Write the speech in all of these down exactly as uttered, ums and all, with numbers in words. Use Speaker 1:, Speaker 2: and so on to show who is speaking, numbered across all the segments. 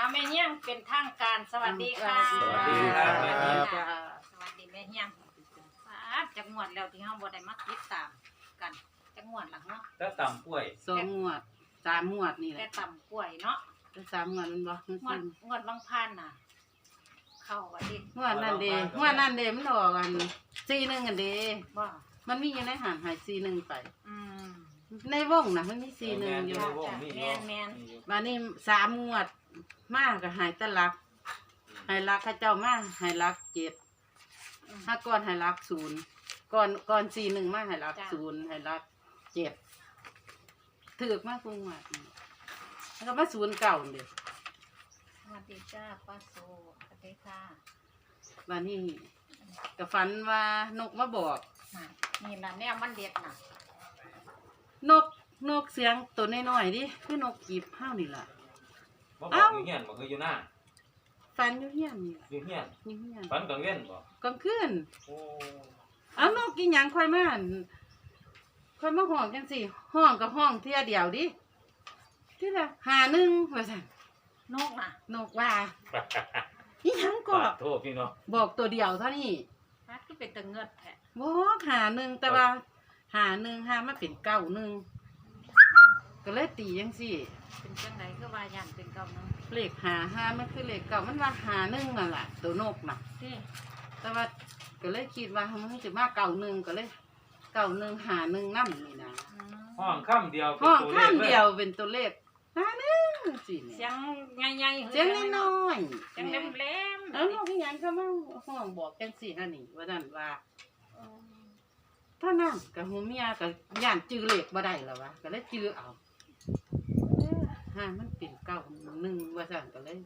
Speaker 1: แม่เฮียงเป็นทางการสวัสดีค่ะ
Speaker 2: สวัสดีครับแม่เฮียง
Speaker 1: สวัสดีแม่เฮียงจักงวดแล้วที่เฮาบ่ได้มาติดตามกันจักงวดหลังเนาะ
Speaker 2: แล้วตำกล้วย
Speaker 3: สองงวดสามงวดนี่แห
Speaker 1: แต่
Speaker 3: ละ
Speaker 1: ต่ำกล้วยเนาะ
Speaker 3: แต่สามงวดมันบ่มัน
Speaker 1: งว
Speaker 3: ขึ้
Speaker 1: ด
Speaker 3: น
Speaker 1: งวดบางพันน่ะ เข้าว่าดิ
Speaker 3: งวดนั่นเด้งวดนั่นเด้มันออกกันสี่หนึ่งกันเด้
Speaker 1: บ่
Speaker 3: มันมีอยู่ในหันหายสี่หนึ่งไป
Speaker 1: อืม
Speaker 3: ในวงน่ะมันมีสี่หนึ่งอยู่
Speaker 1: จ้ะแม่นแม่น
Speaker 3: บัดนี้สามงวดมากก็หายแตะลักหายลักเข้าเจ้ามาหายลักเจ็ด
Speaker 1: อืม
Speaker 3: ถ้าก่อนหายลักศูนย์ก่อนก่อนสี่หนึ่งมาหายลัก
Speaker 1: จ้ะ
Speaker 3: ศูนย์หายลักเจ็ดถือกมากกว่างวดนี่แล้วก็มาศูนย์เก่าเด้
Speaker 1: สวัสดีจ้าป้าโซสวัสดีค่ะ
Speaker 3: บัดนี้ก็ฝันว่านกมาบอก
Speaker 1: น่ะนี่ล่ะแนวมันเด็ดน่ะ
Speaker 3: นกนกเสียงตัวน้อยๆดิคือนกกีบห้าวนี่ล่ะ
Speaker 2: บ่บอกอยู่เฮียนบ่เคยอยู่หน้า
Speaker 3: ฟันอยู่เฮียนนี่ล่ะ
Speaker 2: อยู่เฮียน
Speaker 3: อยู่เฮียน
Speaker 2: ฝันกลางเว้นบ่
Speaker 3: กลางคืน
Speaker 2: โอ้
Speaker 3: เอานกอีหยังค่อยมาอั่นค่อยมาห้องจังซี่ห้องกับห้องเที่ยเดียวดิที่ละหาหนึ่งว่าซั่น
Speaker 1: นกน่ะ
Speaker 3: นกว่าอีหยังก็
Speaker 2: ขอโทษพี่น้อง
Speaker 3: บอกตัวเดียวเท่านี้
Speaker 1: ฮัดคือเป็นตะเงิดแท้
Speaker 3: บอกหาหนึ่งแต่ว่าหาหนึ่งหามาเป็นเก้าหนึ่งก็เลยตีจังซี่
Speaker 1: เป็นจังไดคือว่าย่านเป็นเก่านึง
Speaker 3: เลขหาหามันคือเลขเก่ามันว่าหาหนึ่งนั่นแหละตัวนกน่ะ
Speaker 1: ที่
Speaker 3: แต่ว่าก็เลยคิดว่ามันจะมาเก่าหนึ่งก็เลยเก่าหนึ่งหาหนึ่งนั่นนี่นะ
Speaker 1: อืม
Speaker 2: ห้องค่ำเดียวเป็น
Speaker 3: ห้อง
Speaker 2: ตัวเล
Speaker 3: ข้า
Speaker 2: ข
Speaker 3: ม
Speaker 2: เล
Speaker 3: เดียวเป็นตัวเลขหาหนึ่งสิ
Speaker 1: เสี
Speaker 3: เนี่ย
Speaker 1: ยงใหญ่ๆ
Speaker 3: เสียงน้อย
Speaker 1: เสียงแหลมๆ
Speaker 3: เออน้องพี่ยังก็มาห้องบอกจังสี่ฮะนี่ว่านั่นว่าถ้านั่งกับหูเมียกับย่านจื้อเลขบ่ได้แล้ววะก็เลยจื้อเอาเอ้อหามันเป็นเก่าหนึ่งว่าสั่นก็เลย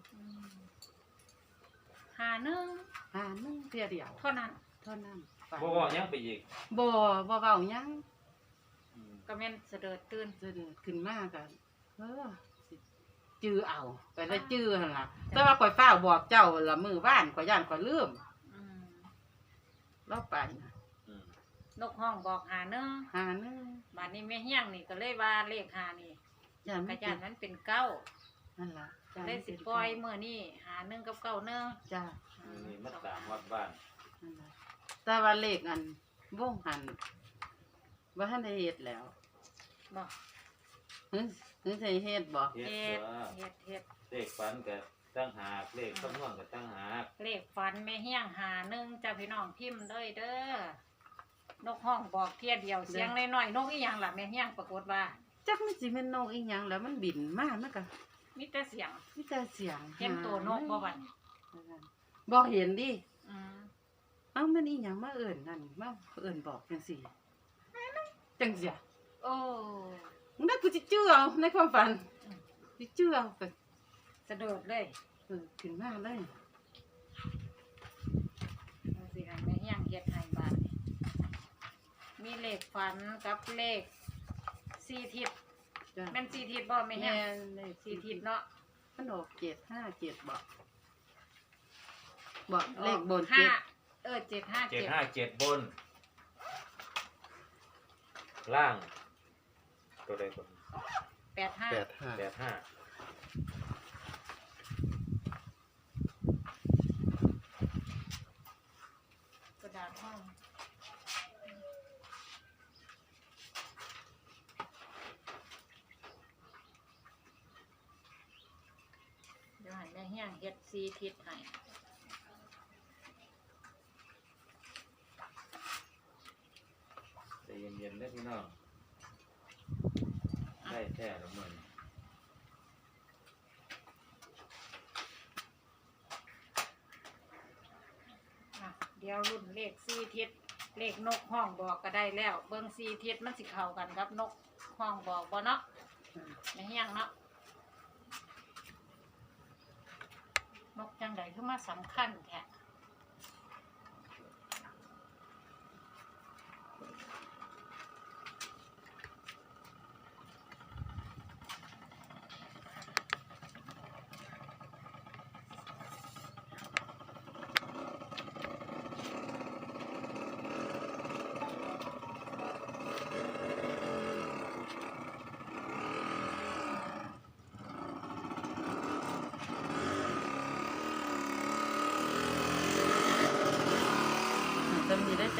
Speaker 1: หาหนึ่ง
Speaker 3: หาหนึ่งเพียเดียว
Speaker 1: เท่านั้น
Speaker 3: เท่านั้นไป
Speaker 2: บ่บอกยังไปอีก
Speaker 3: บ่บ่เว้าหยัง
Speaker 2: อืม
Speaker 1: ก็แม่นเสด็จตื่น
Speaker 3: จะเดินขึ้นมากันเออสิจื้อเอาไปแล้วจื้อหั่นล่ะแต่ว่าข่อยฟ้าวบอกเจ้าละมือบ้านข่อยย่านข่อยลืม
Speaker 1: อืม
Speaker 3: เราไปนะ
Speaker 2: อืม
Speaker 1: นกห้องบอกหาหนึ่ง
Speaker 3: หาหนึง
Speaker 1: บัดนี้แม่เฮียงนี่ก็เลยว่าเลขหานี่
Speaker 3: ย่าน
Speaker 1: ก
Speaker 3: มั
Speaker 1: ระ
Speaker 3: น
Speaker 1: ยานนั้นเป็นเก้า
Speaker 3: นั่นล่ะ
Speaker 1: เลยสิปล่อยเมื่อนี่หาหนึ่งกับเก้าหนึ่ง
Speaker 3: จ้า
Speaker 1: อื
Speaker 2: นี่มาตามวัดบ้าน
Speaker 3: นั่นล่ะแต่ว่าเลขอันวงหันว่าท่านได้เฮ็ดแล้ว
Speaker 1: บอก
Speaker 3: หึหึใส่เฮ็ดบ่
Speaker 2: เฮ็ด
Speaker 1: เฮ็ด
Speaker 2: ตัว
Speaker 1: เฮ็ดเฮ็ด
Speaker 2: เลขฝันก็ตั้งหากเลขคำนวณก็ตั้งหาก
Speaker 1: เลขฝันแม่เฮียงหาหนึ่งจ้าพี่น้องพิมพ์เลยเด้อนกห้องบอกเที่ยเดียวเสียงน้อยๆนกอีหยังล่ะแม่เฮียงปรากฏว่า
Speaker 3: จักมันสิแม่นนกอีหยังแล้วมันบินมามันก็
Speaker 1: มีแต่เสียง
Speaker 3: มีแต่เสียง
Speaker 1: เห็นตัวนกบ่บัด
Speaker 3: บ่เห็นดิ
Speaker 1: อืม
Speaker 3: เอ้ามันอีหยังมาเอิ้นนั่นมาเอิ้นบอกจังซี่จังซี่
Speaker 1: โอ้
Speaker 3: มึงได้กูสิเชื่อเอาในความฝันสิเชื่อเอาไป
Speaker 1: สะดุดเลย
Speaker 3: เออขึ้นมาเลย
Speaker 1: จังสิให้แม่เฮียงเฮ็ดให้บาดนี้มีเลขฝันกับเลขสี่ทิศ
Speaker 3: จ้ะ
Speaker 1: แม่นสี่ทิศบ่แม่เฮีย
Speaker 3: แม่
Speaker 1: ง
Speaker 3: นเลย
Speaker 1: สี่ทิศเนาะ
Speaker 3: มันออกเจ็ดห้าเจ็ดบอกบอกเลขบน
Speaker 1: ห้า
Speaker 3: เจ็ด
Speaker 1: เออเจ็ดห้า
Speaker 2: เจ็ด
Speaker 1: เจ็ด
Speaker 2: ห้าเจ็ดบน ล่าง ตัวใดคน
Speaker 1: แปดห้า
Speaker 4: แปดห้า
Speaker 2: แปดห้า
Speaker 1: กระดาษห้องเดี๋ยวให้แม่เฮียงเฮ็ดสี่ทิศให้
Speaker 2: ใจเย็นๆเด้อพี่น้องได้แท้ละมื้อนี้
Speaker 1: อ่ะเดี๋ยวรุ่นเลขสี่ทิศเลขนกห้องบอกก็ได้แล้ว เบิ่งสี่ทิศมันสิเข้ากันกับนกห้องบอกบ่เนาะแม่เฮียงเนาะนกจังใดคือมาสำคัญแท้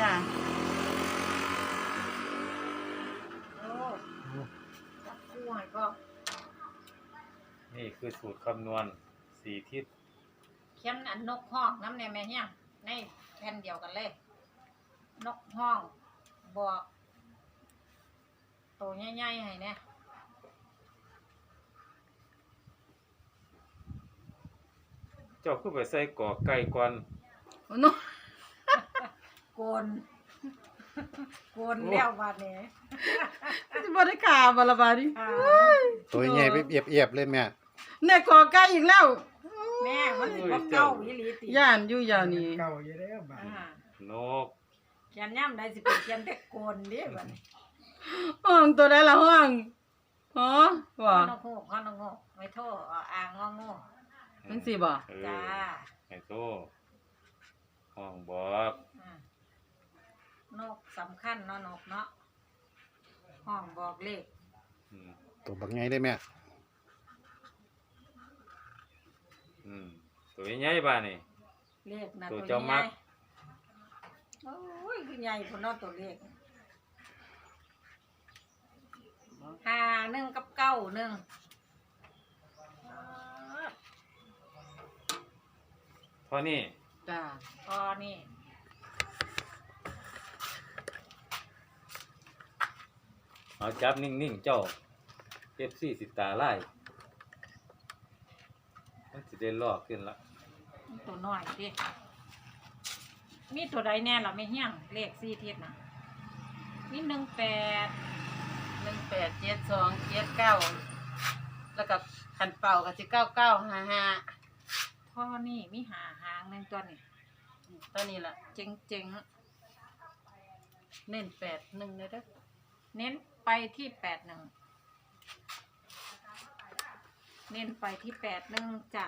Speaker 3: จ้า
Speaker 1: โอ้จับคู่ให้ก็
Speaker 2: นี่คือสูตรคำนวณสี่ทิศ
Speaker 1: เขียนอันนกห้องน้ำในแม่เฮียงในแผ่นเดียวกันเลย นกห้องบอกตัวใหญ่ๆให้เนี่ย
Speaker 2: เจ้าคือไปใส่กอไก่ก่อน
Speaker 3: โอ้โน
Speaker 1: โกน โกนแล้ววันนี้
Speaker 3: สิบ่ได้ขาบ่ละบาดนี้
Speaker 1: อ่า
Speaker 4: ตัวใหญ่ไปเอียบๆเลยแม่
Speaker 3: แน่ขอใกล้อีกแล้ว
Speaker 1: แม่มันสิบ่เก้าอีหลีติ
Speaker 3: ย่านอยู่ย่านนี้
Speaker 5: เก่าอยู่แล้วบาด
Speaker 1: อ่าน
Speaker 2: ก
Speaker 1: เขียนย่ำได้สิเป็นเขียนแต่โกนเด้บัดนี้
Speaker 3: ห้องตัวใดละห้องฮะบ่
Speaker 1: ข้อนกฮูกข้อนกฮูกไม่โทษอ่าอ่างงองู
Speaker 3: จังซี่บ่
Speaker 2: เออ
Speaker 1: จ้า
Speaker 2: ไอ้โตห้องบอก
Speaker 1: อ่านกสำคัญเนาะนกเนาะห้องบอกเลข
Speaker 2: อืม
Speaker 4: ตัวบักใหญ่ได้แม่
Speaker 2: อืมตัวใหญ่บ้านี่
Speaker 1: เลขนะ
Speaker 2: ตั
Speaker 1: ตัว ว
Speaker 2: เจ้า
Speaker 1: ให
Speaker 2: มั
Speaker 1: ญ่
Speaker 2: ก
Speaker 1: โอ้ยคือใหญ่พุ่นเนาะตัวเลขห้าหนึ่งกับเก้าหนึ่ง
Speaker 2: เท่านี้
Speaker 3: จ้า
Speaker 1: พอนี่
Speaker 2: เอาจับนิ่งๆเจ้าเอฟซีสิตาไล่มันสิได้ลอกขึ้นละ
Speaker 1: ตัวน้อยดิมีตัวใดแน่ล่ะไม่เฮี้ยงเลขสี่ทิศนะมีหนึ่งแปด
Speaker 3: หนึ่งแปดเจ็ดสองเจ็ดเก้าแล้วก็คันเป่าก็สิเก้าเก้าห้าห้า
Speaker 1: พ่อนี่มีหาหางหนึ่งตัวนี่
Speaker 3: ตัวนี้ล่ะ
Speaker 1: เจ๋งเจ๋ง
Speaker 3: เน้นแปดหนึ่งเลยเด้อ
Speaker 1: ๆเน้นไปที่แปดหนึ่งเน้นไปที่แปดหนึ่งจ้ะ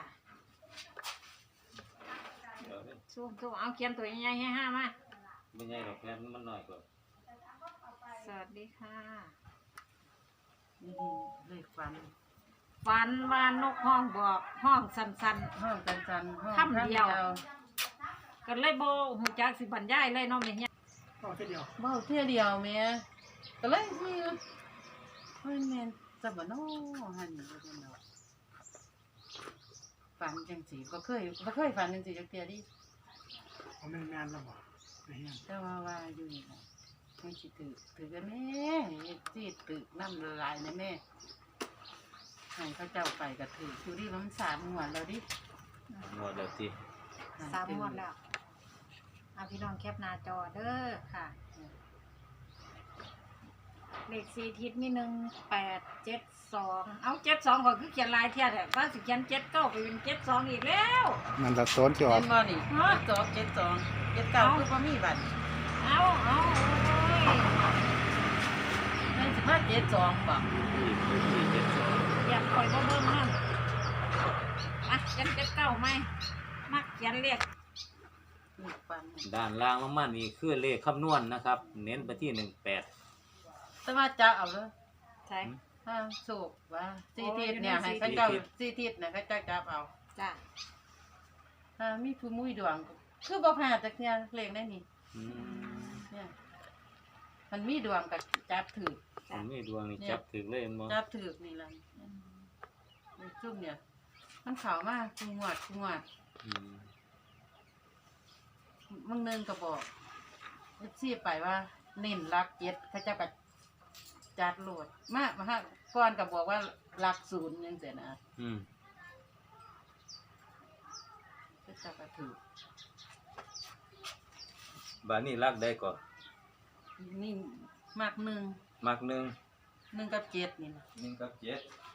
Speaker 2: เดี๋ยวนี้
Speaker 1: ซูมซูมเอาเขียนตัวใหญ่ๆให้ห้ามา
Speaker 2: ไม่ใหญ่หรอกแค่มันน้อยกว่า
Speaker 1: สวัสดีค่ะ
Speaker 3: นี่เลขฟัน
Speaker 1: ฝันว่านกห้องบอกห้องสัน
Speaker 3: ห้องจันจันห้อง
Speaker 1: คำเดียว ๆกันเลยโบหูจักสิบรรยายเลยเน้องเนี่ย
Speaker 5: พอแค่เดียว
Speaker 3: เบ้าเที่ยเดียวแม่ก็เลยคือเฮ้ยแม่นจะบ่น้อหันนี่บ่เนาะฝันจังสีบ่เคยบ่เคยฝันจังสีจักเที่ยดิ
Speaker 5: เอาแม่นงานแล้วบ่ไอ้เหี้ย
Speaker 3: แต่ว่าว่าอยู่นี่ล่ะไม่สิถือถือกันแม่สิตึกน้ำละลายนะแม่ให้เขาเจ้าไปก็ถืออยู่ดิมันสามงวดแล้วดิ
Speaker 2: หมดแล้วที
Speaker 1: สามงวดแล้วเอาพี่น้องแคปหน้าจอเด้อค่ะ เลขสี่ทิศมีหนึ่งแปดเจ็ดสองเอาเจ็ดสองก่อนคือเขียนลายเทียดแต่ว่าสิเขียนเจ็ดเก้าไปเป็นเจ็ดสองอีกแล้ว
Speaker 4: มันละโซนจอ
Speaker 3: เห็
Speaker 4: ด
Speaker 3: นบ่นี่
Speaker 1: ฮะ
Speaker 3: สองเจ็ดสองเจ็ดเก้าคือบ่มีบัตร
Speaker 1: เอาเอาโอ้ย
Speaker 3: นั่นสิมาเจ็ดสองบ่
Speaker 2: ที่คือที่เจ็ดสอง
Speaker 1: อยากคอยบ่เบิ่งนั่นอ่ะเขียนเจ็ดเก้าไหมมักเขียนเลข
Speaker 3: นี่ปัน
Speaker 2: ด้านล่างลงมานี่คือเลขคำนวณนะครับ เน้นไปที่หนึ่งแปด
Speaker 3: แต่ว่าจะเอาเลย
Speaker 1: ใช่
Speaker 3: ถ้าสูบว่าสี่ทิศเนี่ยให้เขาเจ้าสี่ทิศเนี่ยเขาเจ้าจับเอา
Speaker 1: จ้ะ
Speaker 3: ถ้ามีผู้มุ้ยดวงก็คือบ่พลาดจักเที่ยเลขได้นี่
Speaker 2: อืม
Speaker 3: เนี่ยมันมีดวงกับจับถือ
Speaker 2: ผมมีดวงนี่จับถึงเลยมั้ง
Speaker 3: จับถือนี่ล่ะไอ้ซุ่มเนี่ย มันเข้ามาคุงวดคุงวด
Speaker 2: อืม
Speaker 3: มึงเนินก็บอกซีไปว่าเน้นรักเจ็ดเขาเจะกัจัดโหลดมามาฮะก่อนก็บอกว่ารักศูนย์ยังเสียนะ
Speaker 2: อืม
Speaker 3: เขาเจะก็ถือ
Speaker 2: บานนี้รักได้ก่อน
Speaker 3: นี่มากหนึ่ง
Speaker 2: มักหนึ่ง
Speaker 3: หนึ่งกับเจ็ดนี่นะ
Speaker 2: หนึ่งกับเจ็ด